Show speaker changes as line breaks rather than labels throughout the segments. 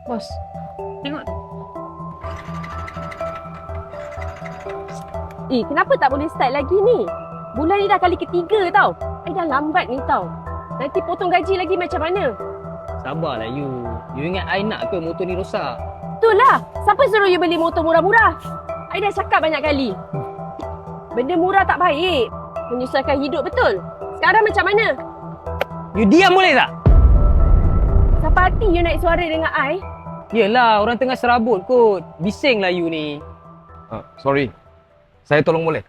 Bos, tengok.
Kenapa tak boleh start lagi ni? Bulan ni dah kali ketiga tau. Dah lambat ni tau. Nanti potong gaji lagi macam mana?
Sabarlah you. You ingat I nak ke motor ni rosak?
Itulah. Siapa suruh you beli motor murah-murah? I dah cakap banyak kali. Benda murah tak baik. Menyusahkan hidup betul. Sekarang macam mana?
You diam boleh tak?
Siapa hati you naik suara dengan I?
Yelah, orang tengah serabut kot. Bising lah you ni.
Sorry. Saya tolong boleh?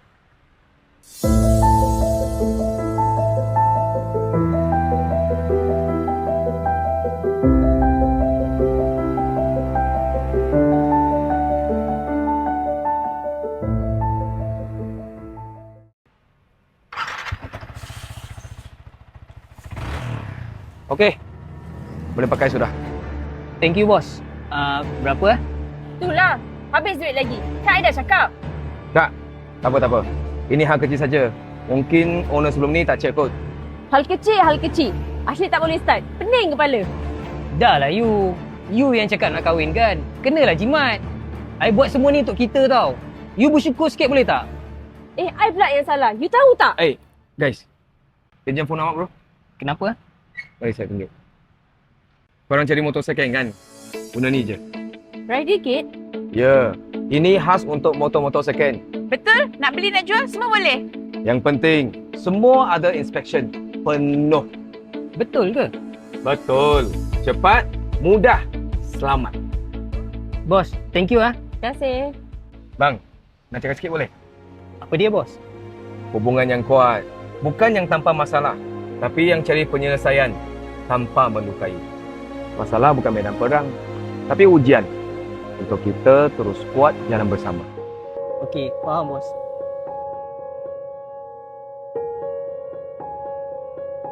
Okey. Boleh pakai sudah.
Thank you, bos. Berapa?
Itulah. Habis duit lagi. Kan I dah cakap.
Tak apa. Ini hal kecil saja. Mungkin owner sebelum ni tak check kot.
Hal kecil. Asyik tak boleh start. Pening kepala.
Dah lah you. You yang cakap nak kahwin kan? Kenalah jimat. I buat semua ni untuk kita tau. You bersyukur sikit boleh tak?
I pula yang salah. You tahu tak?
Guys. Pinjam phone awak bro.
Kenapa?
Mari saya tunjuk. Korang cari motor second kan? Guna ni je.
Rider kit?
Ya. Ini khas untuk motor-motor second.
Betul? Nak beli nak jual semua boleh?
Yang penting, semua ada inspection penuh.
Betul ke?
Betul. Cepat, mudah, selamat.
Bos, thank you ah.
Terima kasih.
Bang, nak cakap sikit boleh?
Apa dia bos?
Hubungan yang kuat, bukan yang tanpa masalah, tapi yang cari penyelesaian tanpa melukai. Masalah bukan medan perang, tapi ujian untuk kita terus kuat jalan bersama.
Okey, faham bos.